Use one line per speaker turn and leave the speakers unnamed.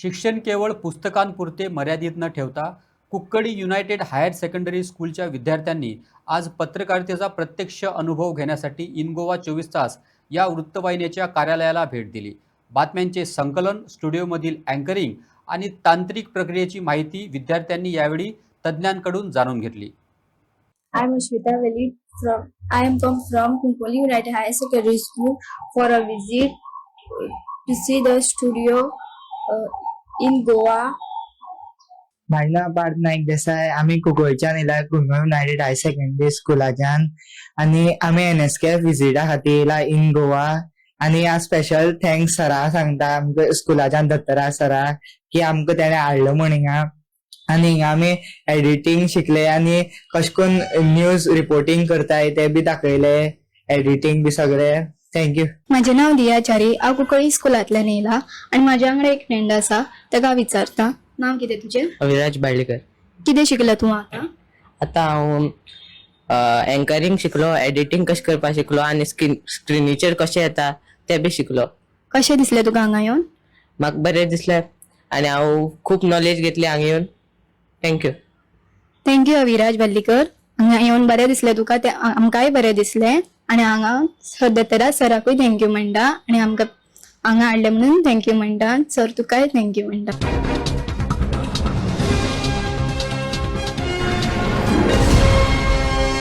शिक्षण केवळ पुस्तकांपुरते मर्यादित न ठेवता कुक्कडी युनायटेड हायर सेकंडरी स्कूलच्या विद्यार्थ्यांनी आज पत्रकारितेचा प्रत्यक्ष अनुभव घेण्यासाठी इन गोवा 24 तास या वृत्तवाहिनीच्या कार्यालयाला भेट दिली. बातम्यांचे संकलन, स्टुडिओमधील अँकरिंग आणि तांत्रिक प्रक्रियेची माहिती विद्यार्थ्यांनी यावेळी तज्ज्ञांकडून जाणून घेतली.
I am Ashwita Veli I am come from Kunkoli United High Secondary School for a visit to see the studio in Goa.
माझें नाव पार्थ नाईक देसाय. आमी कुंकळच्यान येयला, कुंकळ युनायटेड हायर सेकंडरी स्कुलाच्यान, आनी आमी NSKF विजिटा खातीर येयला इन गोवा. आनी हांव स्पेशल थँक्स सराक सांगता, आमकां स्कुलाच्यान दत्तराज सराक, की आमकां तेणें हाडलो म्हण हिंगा. आनी हिंगा आमी एडिटींग शिकले आनी कशें करून न्यूज रिपोर्टिंग करताय ते बी दाखयले, एडिटींग बी सगळे. थँक्यू.
माझे नाव दिया चारी. हांव कुंकळी स्कुलांतल्यान येयला आनी म्हाज्या वांगडा एक फ्रेंड आसा, ताका हांव विचारता. नांव कितें तुजें?
अविराज बाळ्ळेकर.
कितें शिकला तूं आतां?
आतां हांव एंकरिंग शिकलो, एडिटींग कशें करपाक शिकलो आनी स्क्रिनीचेर कशें येता ते बी शिकलो.
कशें दिसलें तुका हांगा येवन?
म्हाका बरें दिसलें आनी हांव खूब नॉलेज घेतली हांगा येवन. थँक्यू.
थँक्यू अविराज बाल्लीकर. हांगा येवन बरें दिसलें तुका, तें आमकांय बरें दिसलें. आनी हांगा सर दत्तराज सराकूय थँक्यू म्हणटा आनी आमकां हांगा हाडलें म्हणून थँक्यू म्हणटा. सर तुकाय थँक्यू म्हणटा.